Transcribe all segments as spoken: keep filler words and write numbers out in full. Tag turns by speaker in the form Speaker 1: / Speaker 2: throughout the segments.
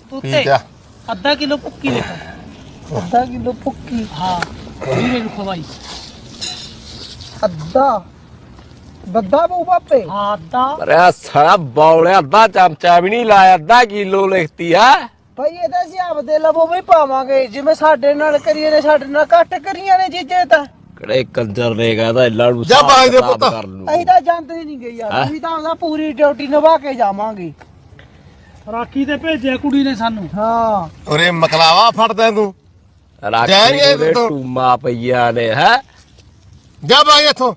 Speaker 1: तूते आधा किलो भुक्की लिखा
Speaker 2: आधा किलो भुक्की
Speaker 1: हाँ वीरे लिखो भाई
Speaker 2: अद्धा दद्दा बहु पापे
Speaker 1: हाँ आधा
Speaker 3: अरे सारा बौले अद्धा चमचा भी नहीं लाया अद्धा किलो लिखती है
Speaker 2: भाई ਇਹਦਾ ਹਿਸਾਬ ਦੇ ਲਵੋ ਵੀ ਪਾਵਾਂਗੇ ਜਿਵੇਂ ਸਾਡੇ ਨਾਲ ਕਰੀਏ ਨੇ ਸਾਡੇ ਨਾਲ ਘੱਟ ਕਰੀਆਂ ਨੇ ਚੀਜ਼ਾਂ ਤਾਂ
Speaker 3: ਕਿਹੜੇ ਕੰਜਰ ਨੇ ਕਹਦਾ ਇਹਨਾਂ ਨੂੰ
Speaker 4: ਜਾ ਬਾਈ ਦੇ ਪੁੱਤ।
Speaker 2: ਅਸੀਂ ਤਾਂ ਜਾਂਦੇ ਨਹੀਂ ਗਏ ਯਾਰ ਅਸੀਂ ਤਾਂ ਉਹਦਾ ਪੂਰੀ ਡਿਊਟੀ ਨਿਭਾ ਕੇ ਜਾਵਾਂਗੇ
Speaker 1: ਰਾਖੀ ਤੇ ਭੇਜਿਆ ਕੁੜੀ ਨੇ ਸਾਨੂੰ
Speaker 2: ਹਾਂ
Speaker 4: ਉਰੇ ਮਕਲਾਵਾ ਫੜਦਾ ਤੂੰ
Speaker 3: ਰਾਖੀ
Speaker 4: ਜਾਏਂਗੇ
Speaker 3: ਦੇ
Speaker 4: ਤੂੰ।
Speaker 3: ਟੂਮਾ ਪਈਆ ਨੇ ਹੈ
Speaker 4: ਜਾ ਬਾਈ ਇੱਥੋਂ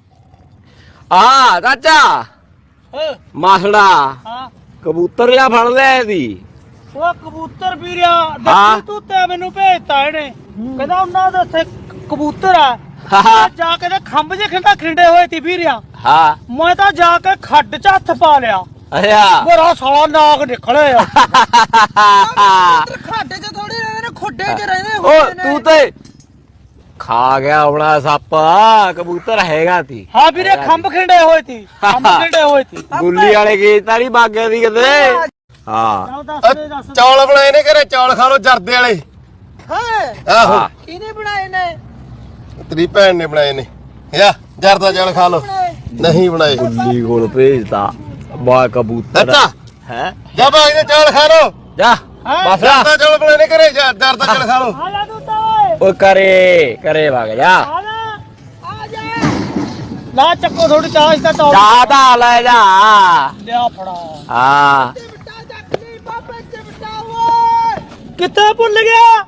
Speaker 3: ਆ ਚਾਚਾ
Speaker 1: ਹਾਂ
Speaker 3: ਮਾਸੜਾ
Speaker 1: ਹਾਂ
Speaker 3: ਕਬੂਤਰ ਲਿਆ ਫੜ ਲਿਆ ਇਹਦੀ
Speaker 1: ਉਹ ਕਬੂਤਰ ਵੀਰਿਆ
Speaker 3: ਹਾਂ।
Speaker 1: ਦੱਸੀ ਤੂੰ ਤੇ ਮੈਨੂੰ ਭੇਜਤਾ ਇਹਨੇ ਕਹਿੰਦਾ ਉਹਨਾਂ ਦੇ ਉੱਥੇ ਕਬੂਤਰ ਆ
Speaker 3: ਹਾਂ।
Speaker 1: ਮੈਂ ਜਾ ਕੇ ਤੇ ਖੰਭ ਜੇ ਖਿੰਡਾ ਖਿੰਡੇ ਹੋਏ ਤੀ ਵੀਰਿਆ
Speaker 3: ਹਾਂ
Speaker 1: ਮੈਂ ਤਾਂ ਜਾ ਕੇ ਖੱਡ ਚ ਹੱਥ ਪਾ ਲਿਆ
Speaker 3: ਅੱਛਾ
Speaker 1: ਮੇਰਾ ਸਾਲਾ ਨਾਗ ਨਿਕਲਿਆ
Speaker 2: ਖਾਡੇ 'ਚ ਥੋੜੀ ਰਹਿੰਦੇ ਨੇ ਖੁੱਡੇ 'ਚ ਰਹਿੰਦੇ
Speaker 3: ਓ
Speaker 2: ਹੁੰਦੇ ਨੇ
Speaker 3: ਤੂੰ ਤੇ ਖਾ ਗਿਆ ਆਪਣਾ ਸੱਪ ਕਬੂਤਰ ਹੈਗਾ ਤੀ
Speaker 1: ਹਾਂ ਵੀਰੇ ਖੰਭ ਖਿੰਡੇ ਹੋਏ ਤੀ ਖੰਭ ਖਿੰਡੇ ਹੋਏ ਤੀ
Speaker 3: ਗੁੱਲੀ ਵਾਲੇ ਗੀਤ ਤਾਂ ਨਹੀਂ ਬਾਗਿਆ ਦੀ ਕਿਤੇ ਹਾਂ
Speaker 1: ਚੱਲ ਦੱਸ ਦੇ ਦੱਸ
Speaker 4: ਚੌਲ ਬਣਾਏ ਨੇ ਘਰੇ ਚੌਲ ਖਾ ਲੋ ਜਰਦੇ ਵਾਲੇ
Speaker 2: ਹਾਂ
Speaker 4: ਆਹੋ
Speaker 3: ਹਾਂ।
Speaker 2: ਕਿਹਨੇ ਬਣਾਏ ਨੇ
Speaker 4: ਤੇਰੀ ਭੈਣ ਨੇ ਬਣਾਏ ਨੇ ਯਾ ਜਰਦਾ ਚੌਲ ਖਾ ਲੋ ਨਹੀਂ ਬਣਾਏ
Speaker 3: ਗੁੱਲੀ ਕੋਲ ਭੇਜਦਾ ਬਾ ਕਬੂਤਰ
Speaker 4: ਅੱਛਾ
Speaker 3: ਹੈ
Speaker 4: ਜਾ ਬਾਈ ਦੇ ਚੌਲ ਖਾ ਲੋ
Speaker 3: ਜਾ ਬਸ
Speaker 4: ਜਰਦਾ ਚੌਲ ਬਣਾਏ ਨੇ ਘਰੇ ਜਰਦਾ ਚੌਲ ਖਾ ਲੋ
Speaker 1: ਆ ਜਾ ਤੂੰ ਤਾਂ ਓਏ
Speaker 3: ਓ ਕਰੇ ਕਰੇ ਵਗ ਜਾ
Speaker 1: ਆ ਜਾ ਆ ਜਾ ਲਾ ਚੱਕੋ ਥੋੜੀ ਚਾਹ ਇਸ ਦਾ ਟੌਪ
Speaker 3: ਜਾ ਤਾਂ ਲੈ ਜਾ
Speaker 1: ਲਿਆ ਫੜਾ
Speaker 3: ਹਾਂ
Speaker 1: ਕਿੱਥੇ ਭੁੱਲ ਗਿਆ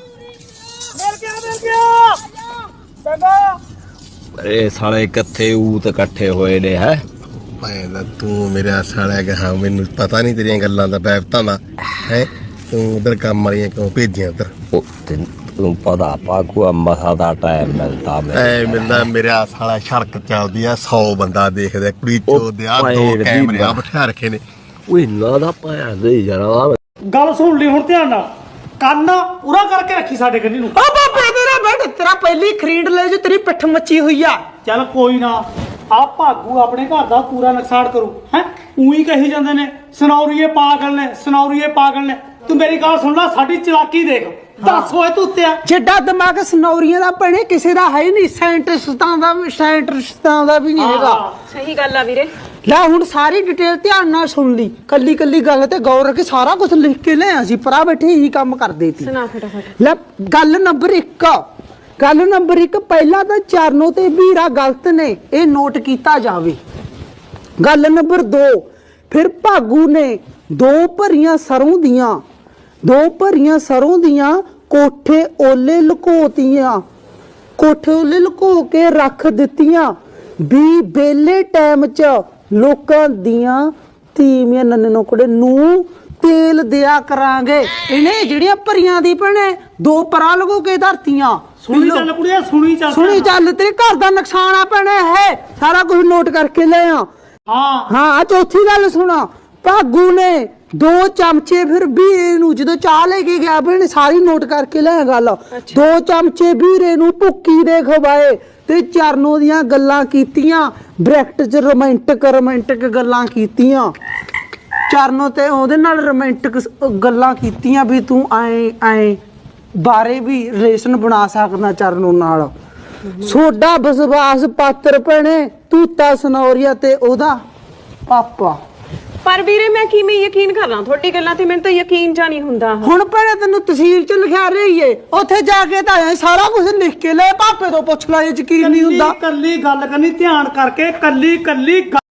Speaker 1: ਮਿਲ ਗਿਆ ਮਿਲ ਗਿਆ ਚੰਗਾ
Speaker 3: ਇਹ ਸਾਲੇ ਕਿੱਥੇ ਊਤ ਇਕੱਠੇ ਹੋਏ ਨੇ ਹੈ
Speaker 4: ਮੈਂ ਤਾਂ ਤੂੰ ਮੇਰਾ ਸਾਲਾ ਕਹਾ ਮੈਨੂੰ ਪਤਾ ਨਹੀਂ ਤੇਰੀਆਂ ਗੱਲਾਂ ਦਾ ਬੈਬਤਾਂ ਦਾ ਹੈ ਤੂੰ ਉਧਰ ਕੰਮ ਵਾਲੀਆਂ ਕਿਉਂ ਭੇਜੀਆਂ ਉਧਰ
Speaker 3: ਉਹ ਤੈਨੂੰ ਪਤਾ ਪਾਕੂ ਮਸਾ ਦਾ ਟਾਈਮ ਮਿਲਦਾ ਮੈਂ
Speaker 4: ਐ ਮਿਲਦਾ ਮੇਰਾ ਸਾਲਾ ਸੜਕ ਚੱਲਦੀ ਆ ਸੌ ਬੰਦਾ ਦੇਖਦਾ ਕੁੜੀ ਚੋਦ ਆ ਦੋ
Speaker 3: ਭੈਣ ਦੀ
Speaker 4: ਕੈਮਰੇ ਆ
Speaker 3: ਮਾਂ।
Speaker 4: ਬਿਠਾ ਰੱਖੇ ਨੇ
Speaker 3: ਓਏ ਨਾ ਦਾ ਪਾਇਆ ਦੇ ਜਰਾ
Speaker 1: ਗੱਲ ਸੁਣ ਲਈ ਹੁਣ ਧਿਆਨ ਨਾਲ ਕੰਨ ਉਰਾ ਕਰਕੇ ਰੱਖੀ ਸਾਡੇ ਕੰਨੀ ਨੂੰ
Speaker 2: ਓ ਬਾਬੇ ਤੇਰਾ ਬੈਠ ਤੇਰਾ ਪਹਿਲੀ ਖਰੀਦ ਲੈ ਜੋ ਤੇਰੀ ਪਿੱਠ ਮੱਚੀ ਹੋਈ ਆ
Speaker 1: ਚੱਲ ਕੋਈ ਨਾ ਆ ਭਾਗੂ ਆਪਣੇ ਘਰ ਦਾ ਪੂਰਾ ਨੁਕਸਾਨ ਕਰੂ ਹੈ ਉਹੀ ਕਹੀ ਜਾਂਦੇ ਨੇ ਸਨੌਰੀਏ ਪਾਗਲ ਨੇ ਸਨੌਰੀਏ ਪਾਗਲ ਨੇ ਤੂੰ ਮੇਰੀ ਗੱਲ ਸੁਣ ਲੈ ਸਾਡੀ ਚਲਾਕੀ ਦੇਖ ਦੱਸ ਹੋਏ ਤੂੰ ਉੱਤਿਆ
Speaker 2: ਜਿੱਡਾ ਦਿਮਾਗ ਸਨੌਰੀਆਂ ਦਾ ਭੈਣੇ ਕਿਸੇ ਦਾ ਹੈ ਹੀ ਨਹੀਂ ਸਾਇੰਟਿਸਟਾਂ ਦਾ ਵੀ ਸਾਇੰਟਿਸਟਾਂ ਦਾ ਵੀ ਨਹੀਂ ਹੈਗਾ
Speaker 5: ਸਹੀ ਗੱਲ ਆ ਵੀਰੇ
Speaker 2: ਲੈ ਹੁਣ ਸਾਰੀ ਡਿਟੇਲ ਧਿਆਨ ਨਾਲ ਸੁਣ ਲਈ ਕੱਲੀ ਕੱਲੀ ਗੱਲ ਤੇ ਗੌਰ ਰੱਖ ਕੇ ਸਾਰਾ ਕੁਝ ਲਿਖ ਕੇ ਲਿਆ ਸੀ ਪਰਾ ਬੈਠੇ ਹੀ ਕੰਮ ਕਰਦੇ ਸੀ
Speaker 5: ਸੁਣਾ ਫਟਾਫਟ
Speaker 2: ਲੈ ਗੱਲ ਨੰਬਰ ਇੱਕ ਗੱਲ ਨੰਬਰ ਇੱਕ ਪਹਿਲਾਂ ਤਾਂ ਚਰਨੋ ਤੇ ਵੀਰਾ ਗਲਤ ਨੇ ਇਹ ਨੋਟ ਕੀਤਾ ਜਾਵੇ ਗੱਲ ਨੰਬਰ ਦੋ ਫਿਰ ਭਾਗੂ ਨੇ ਦੋ ਭਰੀਆਂ ਸਰੋਂ ਦੀਆਂ ਦੋ ਭਰੀਆਂ ਸਰੋਂ ਦੀਆਂ ਕੋਠੇ ਓਲੇ ਲੁਕੋਤੀਆਂ ਕੋਠੇ ਓਲੇ ਲੁਕੋ ਕੇ ਰੱਖ ਦਿੱਤੀਆਂ ਵੀ ਬੇਲੇ ਟਾਈਮ 'ਚ ਲੋਕਾਂ ਦੀਆਂ ਤੀਵੀਆਂ ਨੰਨੇ ਨੋਕੜੇ ਨੂੰ ਤੇਲ ਦਿਆ ਕਰਾਂਗੇ ਇਹਨੇ ਜਿਹੜੀਆਂ ਭਰੀਆਂ ਦੀ ਭਣੇ ਦੋ ਪਰਾਂ ਲਗੋ ਕੇ ਧਰਤੀਆਂ
Speaker 1: ਸੁਣੀ ਚੱਲ ਕੁੜੀਆ ਸੁਣੀ ਚੱਲ
Speaker 2: ਸੁਣੀ ਚੱਲ ਤੇਰੇ ਘਰ ਦਾ ਨੁਕਸਾਨ ਆ ਭੈਣੇ ਹੈ ਸਾਰਾ ਕੁਝ ਨੋਟ ਕਰਕੇ ਲੈ ਆ
Speaker 1: ਹਾਂ
Speaker 2: ਹਾਂ ਆ ਚੌਥੀ ਗੱਲ ਸੁਣਾ ਭਾਗੂ ਨੇ ਦੋ ਚਮਚੇ ਫਿਰ ਵੀਰੇ ਨੂੰ ਜਦੋਂ ਚਾਹ ਲੈ ਕੇ ਗਿਆ ਭੈਣੇ ਸਾਰੀ ਨੋਟ ਕਰਕੇ ਲੈ ਗੱਲ ਦੋ ਚਮਚੇ ਵੀਰੇ ਨੂੰ ਭੁੱਕੀ ਦੇ ਖਵਾਏ ਤੇ ਚਰਨੋ ਦੀਆਂ ਗੱਲਾਂ ਕੀਤੀਆਂ ਬ੍ਰੈਕਟ 'ਚ ਰੋਮਾਂਟਿਕ ਰੋਮਾਂਟਿਕ ਗੱਲਾਂ ਕੀਤੀਆਂ ਚਰਨੋ ਤੇ ਉਹਦੇ ਨਾਲ ਰੋਮਾਂਟਿਕ ਗੱਲਾਂ ਕੀਤੀਆਂ ਵੀ ਤੂੰ ਐ ਐ ਬਾਰੇ ਵੀ ਰਿਲੇਸ਼ਨ ਬਣਾ ਸਕਦਾ ਚਰਨੋ ਨਾਲ ਸੋਡਾ ਵਿਸ਼ਵਾਸ ਪਾਤਰ ਭੈਣੇ ਤੂਤਾ ਸਨੌਰੀਆ ਤੇ ਉਹਦਾ ਪਾਪਾ
Speaker 5: ਪਰ ਵੀਰੇ ਮੈਂ ਕਿਵੇਂ ਯਕੀਨ ਕਰਾਂ ਤੁਹਾਡੀ ਗੱਲਾਂ ਤੇ ਮੈਨੂੰ ਤਾਂ ਯਕੀਨ ਜਾਂ ਨਹੀਂ ਹੁੰਦਾ
Speaker 2: ਹੁਣ ਭੈਣੇ ਤੈਨੂੰ ਤਸਵੀਰ 'ਚ ਲਿਖਿਆ ਰਹੀਏ ਉੱਥੇ ਜਾ ਕੇ ਤਾਂ ਐਂ ਸਾਰਾ ਕੁਝ ਲਿਖ ਕੇ ਲੈ ਪਾਪੇ ਤੋਂ ਪੁੱਛ ਲੈ ਯਕੀਨ ਨਹੀਂ ਹੁੰਦਾ
Speaker 1: ਕੱਲੀ ਗੱਲ ਕਰਨੀ ਧਿਆਨ ਕਰਕੇ ਕੱਲੀ ਕੱਲੀ